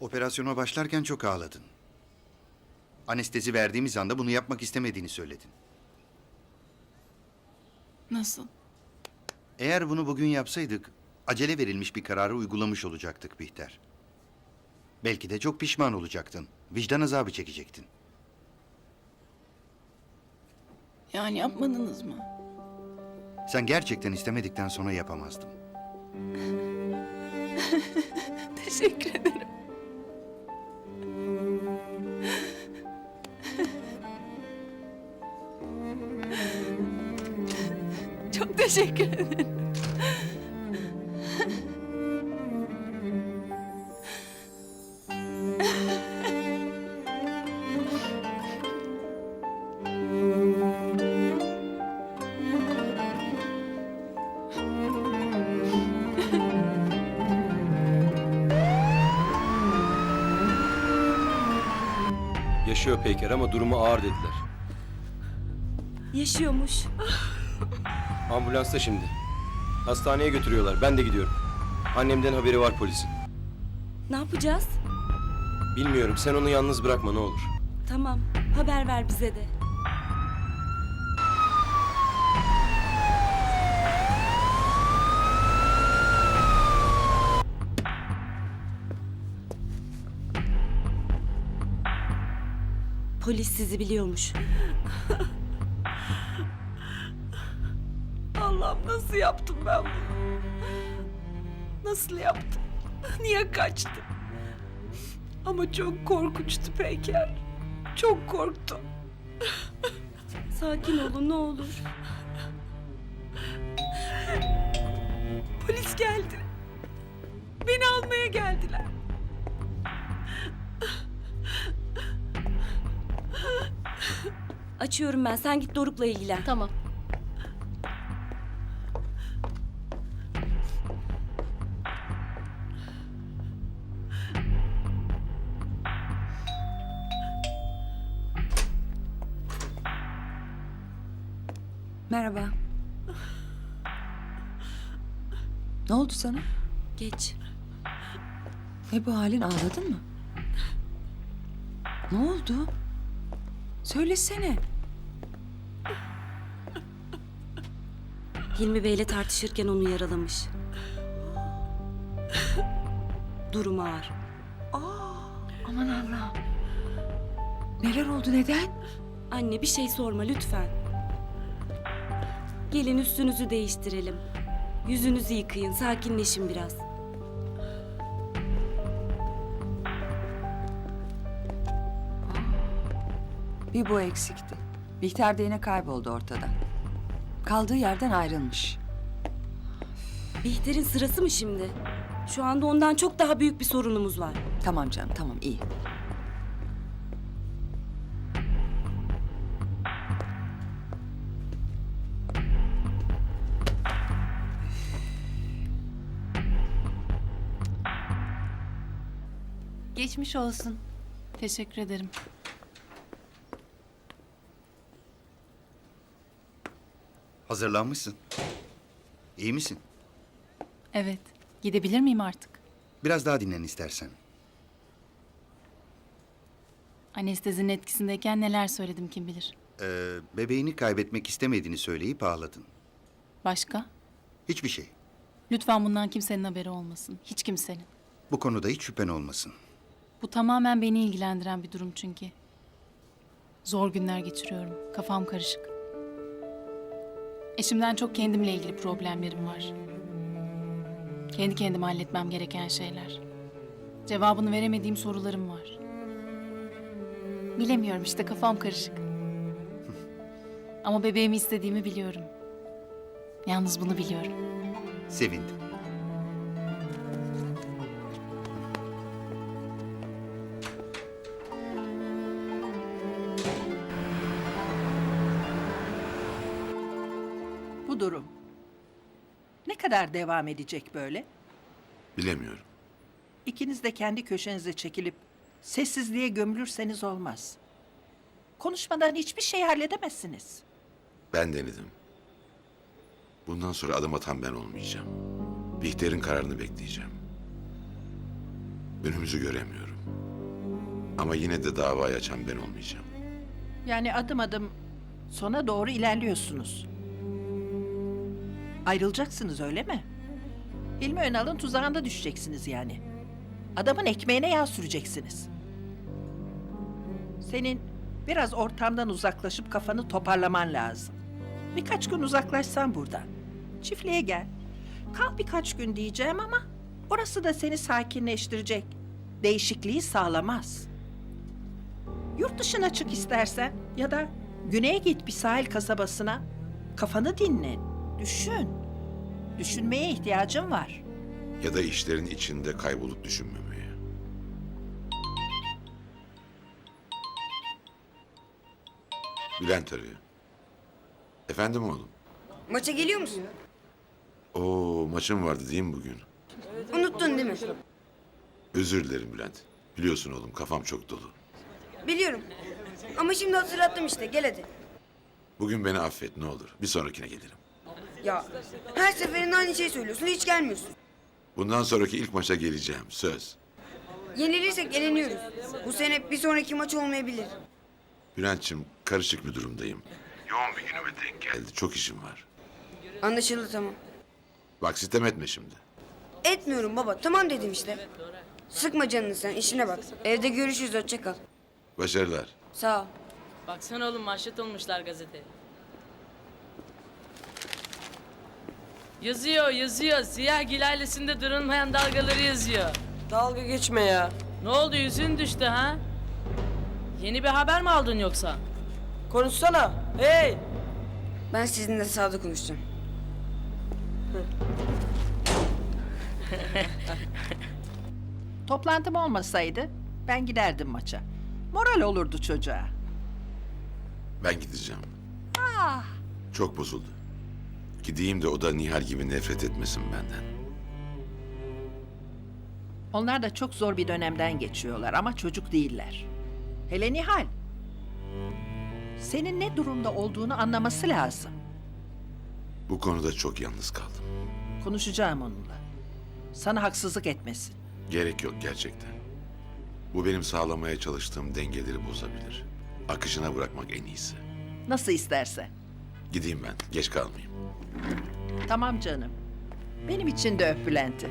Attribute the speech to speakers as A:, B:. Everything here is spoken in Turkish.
A: Operasyona başlarken çok ağladın. Anestezi verdiğimiz anda bunu yapmak istemediğini söyledin.
B: Nasıl?
A: Eğer bunu bugün yapsaydık, acele verilmiş bir kararı uygulamış olacaktık Bihter. Belki de çok pişman olacaktın. Vicdan azabı çekecektin.
B: Yani yapmadınız mı?
A: Sen gerçekten istemedikten sonra yapamazdım.
B: Teşekkür ederim. Çok teşekkür ederim.
C: Yaşıyor Peyker ama durumu ağır dediler.
D: Yaşıyormuş.
C: Ambulansta şimdi. Hastaneye götürüyorlar. Ben de gidiyorum. Annemden haberi var polisin.
D: Ne yapacağız?
C: Bilmiyorum. Sen onu yalnız bırakma ne olur.
D: Tamam, haber ver bize de. Polis sizi biliyormuş.
B: Allah'ım nasıl yaptım ben bunu? Nasıl yaptım? Niye kaçtım? Ama çok korkunçtu Peyker. Çok korktum.
D: Sakin olun ne olur.
B: Polis geldi. Beni almaya geldiler.
D: Açıyorum ben, sen git Doruk'la ilgilen.
E: Tamam.
F: Merhaba. Ne oldu sana?
D: Geç.
F: Ne bu halin, ağladın mı? Ne oldu? Söylesene.
D: Hilmi Bey'le tartışırken onu yaralamış. Durum ağır.
F: Aman Allah'ım. Neler oldu, neden?
D: Anne bir şey sorma lütfen. Gelin üstünüzü değiştirelim. Yüzünüzü yıkayın, sakinleşin biraz.
F: Bir bu eksikti. Bihter de yine kayboldu ortadan. Kaldığı yerden ayrılmış.
D: Bihter'in sırası mı şimdi? Şu anda ondan çok daha büyük bir sorunumuz var.
F: Tamam canım, tamam, iyi.
E: Geçmiş olsun. Teşekkür ederim.
A: Hazırlanmışsın. İyi misin?
E: Evet. Gidebilir miyim artık?
A: Biraz daha dinlen istersen.
E: Anestezinin etkisindeyken neler söyledim kim bilir.
A: Bebeğini kaybetmek istemediğini söyleyip ağladın.
E: Başka?
A: Hiçbir şey.
E: Lütfen bundan kimsenin haberi olmasın. Hiç kimsenin.
A: Bu konuda hiç şüphen olmasın.
E: Bu tamamen beni ilgilendiren bir durum çünkü. Zor günler geçiriyorum. Kafam karışık. Eşimden çok kendimle ilgili problemlerim var. Kendi kendime halletmem gereken şeyler. Cevabını veremediğim sorularım var. Bilemiyorum işte, kafam karışık. Ama bebeğimi istediğimi biliyorum. Yalnız bunu biliyorum.
A: Sevindim.
G: Bu durum ne kadar devam edecek böyle?
H: Bilemiyorum.
G: İkiniz de kendi köşenize çekilip sessizliğe gömülürseniz olmaz. Konuşmadan hiçbir şey halledemezsiniz.
H: Ben denedim. Bundan sonra adım atan ben olmayacağım. Bihter'in kararını bekleyeceğim. Önümüzü göremiyorum. Ama yine de davayı açan ben olmayacağım.
G: Yani adım adım sona doğru ilerliyorsunuz. Ayrılacaksınız öyle mi? Hilmi Önal'ın tuzağında düşeceksiniz yani. Adamın ekmeğine yağ süreceksiniz. Senin biraz ortamdan uzaklaşıp kafanı toparlaman lazım. Birkaç gün uzaklaşsan buradan. Çiftliğe gel. Kal birkaç gün diyeceğim ama orası da seni sakinleştirecek. Değişikliği sağlamaz. Yurt dışına çık istersen ya da güneye git bir sahil kasabasına. Kafanı dinle, düşün. Düşünmeye ihtiyacın var.
H: Ya da işlerin içinde kaybolup düşünmemeye. Bülent arıyor. Efendim oğlum?
I: Maça geliyor musun?
H: Oo, maçım vardı değil mi bugün?
I: Unuttun değil mi?
H: Özür dilerim Bülent. Biliyorsun oğlum, kafam çok dolu.
I: Biliyorum. Ama şimdi hatırlattım işte. Gel hadi.
H: Bugün beni affet ne olur. Bir sonrakine gelirim.
I: Ya her seferinde aynı şeyi söylüyorsun. Hiç gelmiyorsun.
H: Bundan sonraki ilk maça geleceğim. Söz.
I: Yenilirsek eleniyoruz. Bu sene bir sonraki maç olmayabilir.
H: Bülent'ciğim, karışık bir durumdayım. Yoğun bir günüme denk geldi. Çok işim var.
I: Anlaşıldı, tamam.
H: Bak sitem etme şimdi.
I: Etmiyorum baba. Tamam dedim işte. Sıkma canını sen. İşine bak. Evde görüşürüz. Hoşça kal.
H: Başarılar.
I: Sağ ol.
B: Baksana oğlum manşet olmuşlar gazete. Yazıyor. Siyah ailesinde durulmayan dalgaları yazıyor.
I: Dalga geçme ya.
B: Ne oldu, yüzün düştü ha? Yeni bir haber mi aldın yoksa?
I: Konuşsana. Hey. Ben sizinle sağda konuşacağım.
G: Toplantım olmasaydı ben giderdim maça. Moral olurdu çocuğa.
H: Ben gideceğim. Çok bozuldu. Gideyim de o da Nihal gibi nefret etmesin benden.
G: Onlar da çok zor bir dönemden geçiyorlar ama çocuk değiller. Hele Nihal. Senin ne durumda olduğunu anlaması lazım.
H: Bu konuda çok yalnız kaldım.
G: Konuşacağım onunla. Sana haksızlık etmesin.
H: Gerek yok gerçekten. Bu benim sağlamaya çalıştığım dengeleri bozabilir. Akışına bırakmak en iyisi.
G: Nasıl istersen.
H: Gideyim ben, geç kalmayayım.
G: Tamam canım. Benim için de öp Bülent'i.